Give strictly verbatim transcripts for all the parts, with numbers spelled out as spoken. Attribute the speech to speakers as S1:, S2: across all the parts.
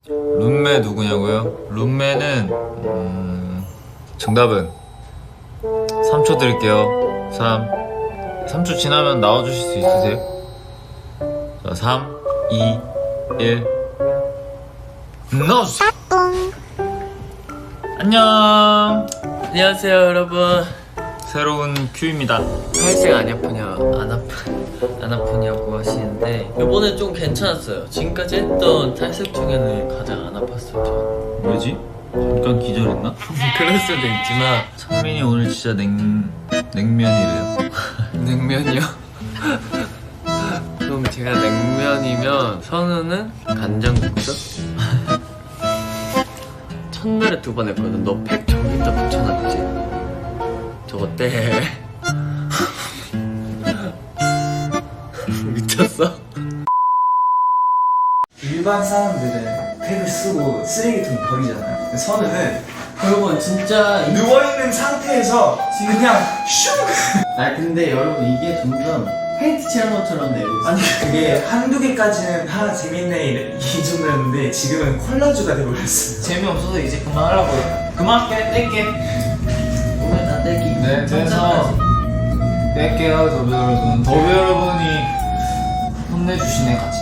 S1: 룸메 누구냐고요? 룸메는 음... 정답은 삼 초 드릴게요. 삼 삼 초 지나면 나와주실 수 있으세요? 자, 삼, 이, 일 넣어주세요. 안녕.
S2: 안녕하세요 여러분.
S1: 새로운 큐입니다.
S2: 탈색 안 아프냐 안 아프 안 아프냐고 하시는데 이번에 좀 괜찮았어요. 지금까지 했던 탈색 중에는 가장 안 아팠어요. 저.
S1: 왜지? 잠깐 기절했나?
S2: 그럴 수도 있지만
S1: 성민이 오늘 진짜 냉... 냉면이래요.
S2: 냉면이요? 그럼 제가 냉면이면 선우는 간장국수? 첫날에 두 번 했거든. 너 팩 저기다 붙여놨지? 저거 때 미쳤어?
S3: 일반 사람들은 팩을 쓰고 쓰레기통에 버리잖아요. 선우는
S2: 여러분 진짜
S3: 누워있는 상태에서 그냥 슝!
S2: 아 근데 여러분 이게 점점 페인트 칠한 것처럼 내고 있어.
S3: 아니 그게 한두 개까지는 다 재밌네 이 정도였는데 지금은 콜라주가 돼버렸어요.
S2: 재미없어서 이제 그만하라고요. 그만할게. 뗄게. 오늘 다 떼기.
S1: 네, 그래서 뺄게요, 더비 여러분. 더비 여러분이 혼내주시네, 같이.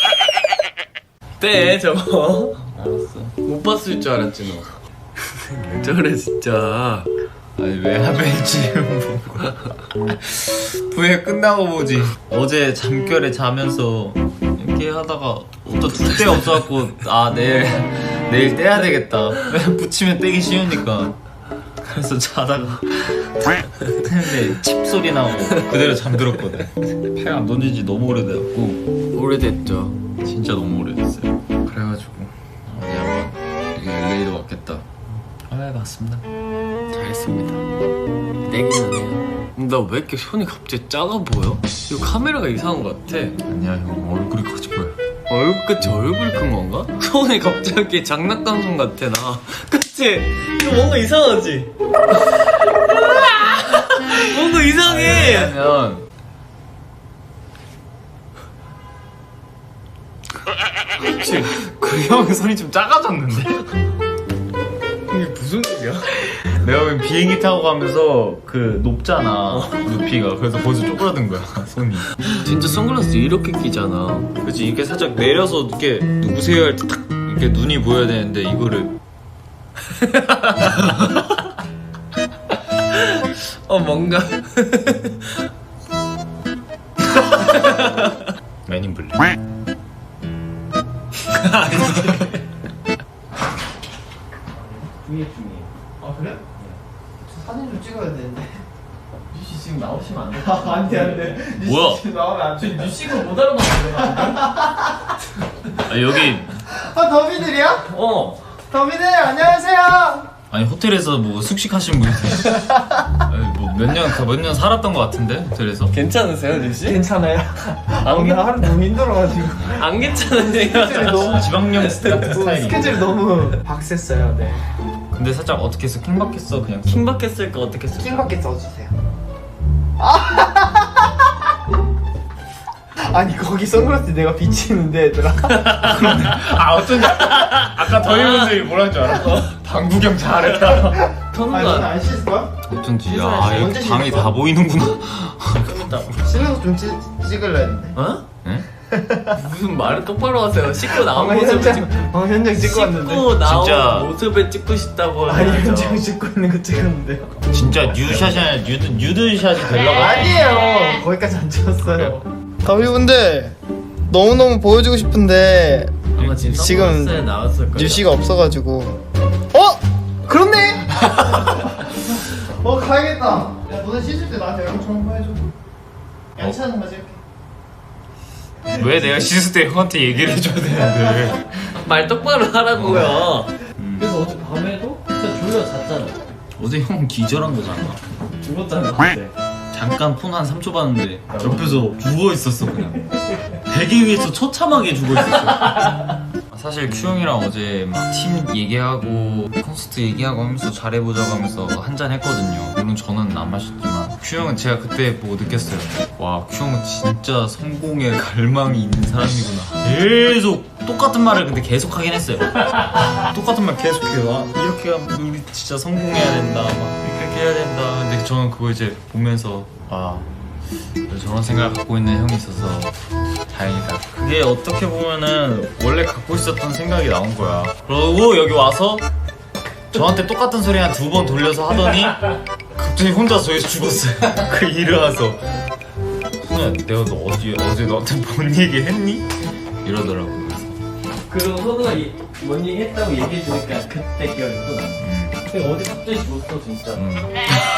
S2: 떼 저거. 알았어. 못 봤을 줄 알았지 너. 왜 저래 진짜.
S1: 아니, 왜 하필 지금 보고. 왜 끝나고 보지? 어제 잠결에 자면서 이렇게 하다가 또 둘 데 없어갖고, 아, 내일, 내일 떼야 되겠다. 붙이면 떼기 쉬우니까. 그래서 자다가 근데 칩 소리 나고 그대로 잠들었거든. 팩 안 던진 지 너무 오래돼갖고
S2: 오래됐죠.
S1: 진짜 너무 오래됐어요. 그래가지고 어디 한번 여기 엘에이도 왔겠다. 아, 맞습니다.
S2: 잘했습니다. 떼기는 해요. 나 왜 이렇게 손이 갑자기 작아 보여? 이거 카메라가 이상한 것 같아.
S1: 아니야, 형 얼굴이 커져 보여.
S2: 얼굴 끝이 얼굴 큰 건가? 손이 갑자기 장난감 손 같아 나. 그치? 이거 뭔가 이상하지? 뭔가 이상해.
S1: 왜냐면
S2: 그치?
S1: 그 형의 손이 좀 작아졌는데?
S2: 이게 무슨 일이야?
S1: 내가 왜 비행기 타고 가면서 그 높잖아, 높이가. 그래서 벌써 쪼그라든 거야, 손이.
S2: 진짜 선글라스 이렇게 끼잖아.
S1: 그치, 이렇게 살짝 내려서 이렇게 누구세요 할 때 딱 이렇게 눈이 보여야 되는데 이거를
S2: 어 뭔가
S1: 맨인 블랙.
S2: 중에 중에. 아 그래? 사진 좀 찍어야 되는데. 뉴씨 지금 나오시면 안 돼. 아, 안 돼, 안 돼. 뉴씨
S1: 뭐야?
S2: 지금 나오면 안 돼. 뉴씨가 못 알아봤는데.
S1: 아, 여기
S3: 아 더비들이야?
S2: 어.
S3: 더비들 안녕하세요.
S1: 아니 호텔에서 뭐 숙식하신 분이세요? 뭐몇 년, 몇 년 살았던 것 같은데 호텔에서?
S2: 괜찮으세요, 뉴씨?
S3: 괜찮아요? 아, 오늘 하루 너무 힘들어가지고
S2: 안 괜찮으세요?
S3: 너무
S1: 지방령 스타일 스타일이.
S3: 스케줄이 너무 박셌어요. 네.
S1: 근데 살짝 어떻게 했어? 킹받겠어 그냥.
S2: 킹받게 쓸까 어떻게 쓸까?
S3: 킹밖에 써주세요. 아니 거기 선글라스 내가 비치는데 얘들아.
S1: 아, 어쩐지 아까 더위분들이 뭐라는 줄 알아? 방구경 잘했다.
S3: 아니
S2: 선우가
S3: 안 씻을까?
S1: 어쩐지. 야,
S3: 언제
S1: 이렇게
S3: 씻을
S1: 방이
S3: 거야?
S1: 다 보이는구나.
S2: 좀 이따.
S3: 씻어서 좀 찍, 찍을라 했는데.
S2: 어?
S1: 네?
S2: 무슨 말을 똑바로 하세요. 씻고 나온
S3: 방금
S2: 모습을 찍고
S3: 현장, 방금 현장 찍고 왔는데.
S2: 씻고 나온
S1: 진짜.
S2: 모습을 찍고 싶다고
S3: 아니
S2: 하죠.
S3: 현장 찍고 있는 거 찍었는데요.
S1: 진짜 뉴샷이 아니라 뉴드, 뉴드샷이 되려고.
S3: 아니에요. 거기까지 안 찍었어요. 더비분들 너무너무 보여주고 싶은데
S2: 아마 지금
S3: 지금
S2: 선글라스에 나왔을 거예요.
S3: 뉴시가 없어가지고. 어? 그렇네. 어 가야겠다. 야 너네 씻을 때 나한테 연락 좀 해줘. 양치하는 거 찍을게.
S1: 왜 내가 씻을 때 형한테 얘기를 해줘야 되는데.
S2: 말 똑바로 하라고요.
S1: 음.
S2: 그래서 어제 밤에도 진짜 졸려 잤잖아.
S1: 어제 형 기절한 거잖아.
S2: 죽었잖아 그때.
S1: 잠깐 폰 한 삼 초 봤는데 옆에서 죽어 있었어 그냥. 베개 위에서 처참하게 죽어 있었어. 사실 큐 형이랑 어제 막 팀 얘기하고 콘서트 얘기하고 하면서 잘해보자고 하면서 한잔 했거든요. 물론 저는 안 마셨지만 큐 형은 제가 그때 보고 느꼈어요. 와, 큐 형은 진짜 성공에 갈망이 있는 사람이구나. 계속 똑같은 말을 근데 계속 하긴 했어요. 똑같은 말 계속해요. 아, 이렇게 하면 우리 진짜 성공해야 된다. 막 이렇게 해야 된다. 근데 저는 그거 이제 보면서 아, 저런 생각을 갖고 있는 형이 있어서 다행이다. 그게 어떻게 보면은 원래 갖고 있었던 생각이 나온 거야. 그러고 여기 와서 저한테 똑같은 소리 한 두 번 돌려서 하더니 갑자기 혼자 저기서 죽었어요. 그 일어나서 선우야, 내가 너 어제, 어제 너한테 뭔 얘기 했니? 이러더라고.
S2: 그리고 선우가 이- 뭔 얘기 했다고 얘기해주니까 그때 기억이 또 나.
S1: 음,
S2: 근데 어디 갑자기 죽었어 진짜.
S1: 음.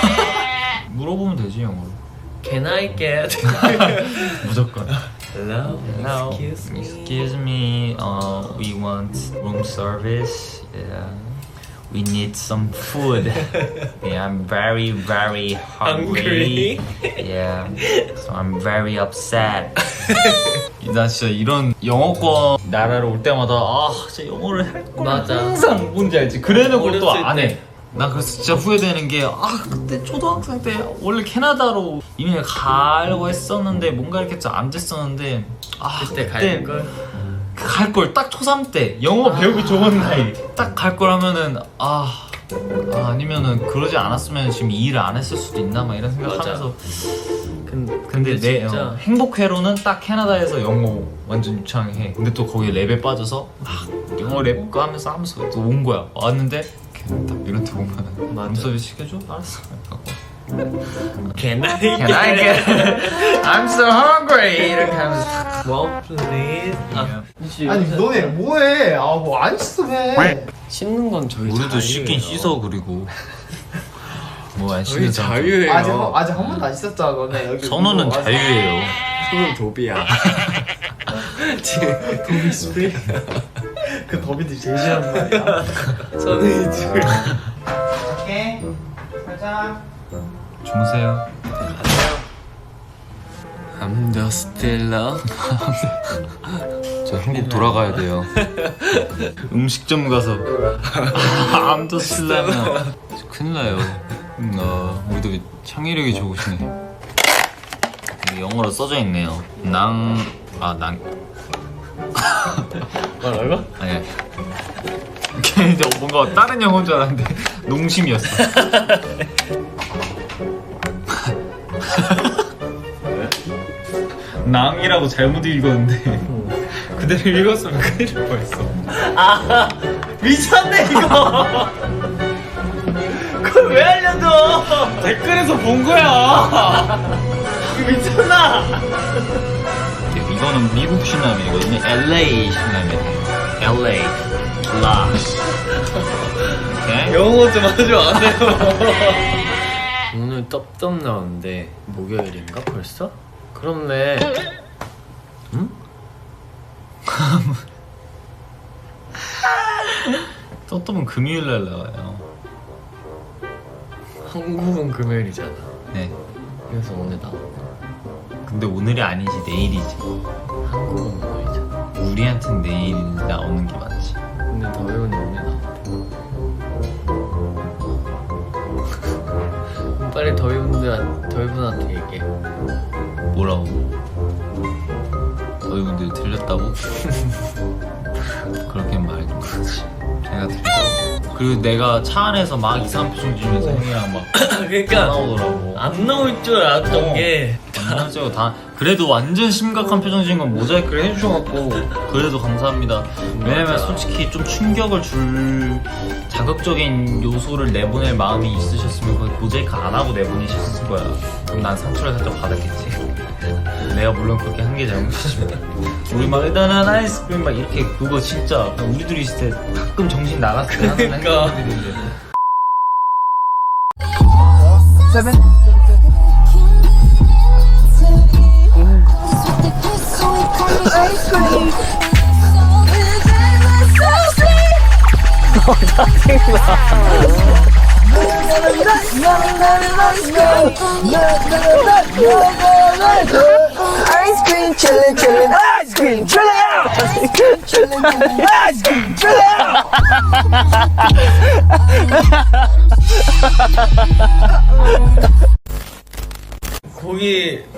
S1: 물어보면 되지 영어로.
S2: Can I get
S1: 무조건.
S2: hello?
S1: Hello.
S2: Excuse me.
S1: Excuse me. Uh, we want room service. Yeah. We need some food. Yeah, I'm very, very hungry.
S2: Hungry?
S1: Yeah. So I'm very upset. 나 진짜 이런 영어권 나라로 올 때마다 아, 진짜 영어를 할 걸.
S2: 맞아.
S1: 항상 뭔지 알지? 그래놓고 또
S2: 어렸을
S1: 안
S2: 때.
S1: 해. 난 그래서 진짜 후회되는 게 아, 그때 초등학생 때 원래 캐나다로 이미 가려고 했었는데 뭔가 이렇게 좀 안 됐었는데 아,
S2: 그때 갈 걸.
S1: 갈 걸 딱 초삼 때 영어 배우기 좋은 나이 딱 갈 걸 하면은 아, 아 아니면은 그러지 않았으면 지금 이 일을 안 했을 수도 있나 막 이런 생각하면서
S2: 근데,
S1: 근데 내
S2: 진짜
S1: 어, 행복회로는 딱 캐나다에서 영어 완전 유창해. 근데 또 거기 랩에 빠져서 막 영어 랩 거 하면서 하면서 또 온 거야. 왔는데 걔는 딱 이런 데 보면은
S2: 맞아.
S1: 룸서비스 시켜줘? 알았어.
S2: Can I
S1: Can I get? I'm so hungry. 이렇게 하면서
S2: Well, please. 아, 혹시
S3: 아니
S2: 요새
S3: 너네 뭐해? 아 뭐 안 씻어 해.
S2: 씻는 건 저희
S1: 우리도
S2: 자유예요.
S1: 씻긴 씻어. 그리고 뭐 안
S2: 저희
S1: 씻는
S2: 자유예요.
S3: 아직 한- 아직 한 번도 안 씻었잖아 너네. 여기
S1: 선우는
S3: 뭐 아직-
S1: 자유예요.
S2: 손은 도비야. 지금
S3: 더비 스프레이. 그 더비들 제일 싫어하는 말이야.
S2: 손이 지금
S3: 오케이. 살짝.
S1: 주무세요.
S2: I'm the stiller.
S1: 저 한국 돌아가야 돼요. 음식점 가서 암도 쓸라면 큰일 나요. 어, 우리도 창의력이 좋으시네. 여기 영어로 써져 있네요. 낭... 아, 낭...
S2: 뭐라고?
S1: 아니야. 걔 이제 뭔가 다른 영어인 줄 알았는데 농심이었어. 낭이라고 잘못 읽었는데 그대로 읽었으면 큰일 날 뻔했어.
S2: 아 미쳤네 이거. 그걸 왜 알려줘?
S1: 댓글에서 본 거야.
S2: 이거 미쳤나?
S1: 이거는 미국 시남이거든요. 엘에이 시남이에요. 엘에이 라스. 오케이.
S2: 영어 좀 하지 마세요. 오늘 떡떡 나오는데 목요일인가 벌써? 그렇네. 응?
S1: 또또는 금요일 날 나와요.
S2: 한국은 금요일이잖아.
S1: 네.
S2: 그래서 오늘 나와.
S1: 근데 오늘이 아니지 내일이지.
S2: 한국은 목요일이잖아.
S1: 우리한텐 내일 나오는 게 맞지.
S2: 근데 더위는 오늘 나와. 빨리 더위분들 더위분한테 얘기해.
S1: 뭐라고? 너희 분들 들렸다고? 그렇게 말 좀 그렇지. 제가 들렸어. 그리고 내가 차 안에서 막 이상한 표정 지으면서 형이랑 막
S2: 그러니까
S1: 나오더라고.
S2: 안 나올 줄 알았던
S1: 어.
S2: 게
S1: 완전 다 그래도 완전 심각한 표정 지은 건 모자이크를 해주셔갖고 그래도 감사합니다. 왜냐면
S2: 맞아.
S1: 솔직히 좀 충격을 줄 자극적인 요소를 내보낼 마음이 있으셨으면 거의 모자이크 안 하고 내보내셨을 거야. 그럼 난 상처를 살짝 받았겠지. 내가 물론 그렇게 한 게 잘못이지만 우리 막 일단은 아이스크림 막 이렇게 그거 진짜 우리 둘이 있을 때 가끔 정신 나갔을 때 하는
S2: 그러니까.
S1: 행동들인데
S3: 세븐.
S4: Ice cream chillin', chillin', ice cream chillin' out. Ice cream chillin', chillin', ice cream chillin' out.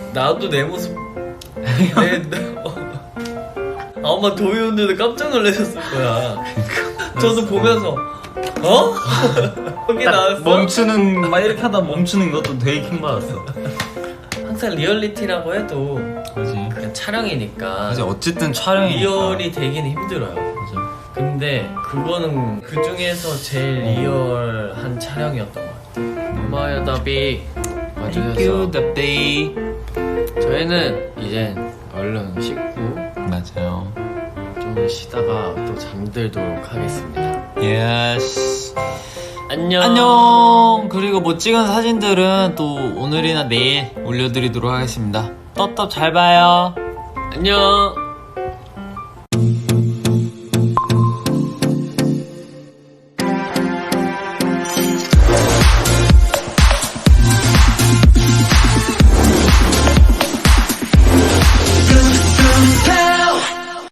S2: 나도 내 모습 내, 내- 어. 아마 도희원들도 깜짝 놀라셨을 거야. 저도 보면서 어? 여기 나왔어?
S1: 멈추는 막 이렇게 하다 멈추는 것도 되게 킹 받았어.
S2: 항상 리얼리티라고 해도
S1: 그지.
S2: 그냥 촬영이니까
S1: 그지. 어쨌든 촬영이니까.
S2: 리얼이 되기는 힘들어요.
S1: 맞아.
S2: 근데 그거는 그 중에서 제일 리얼한 촬영이었던 것 같아요. 엄마야 더비 와주셔서
S1: 더비.
S2: 저희는 이제 얼른 씻고
S1: 맞아요.
S2: 좀 쉬다가 또 잠들도록 하겠습니다.
S1: 예스.
S2: 안녕.
S1: 안녕. 그리고 못 찍은 사진들은 또 오늘이나 내일 올려드리도록 하겠습니다. 떡떡 잘 봐요.
S2: 안녕.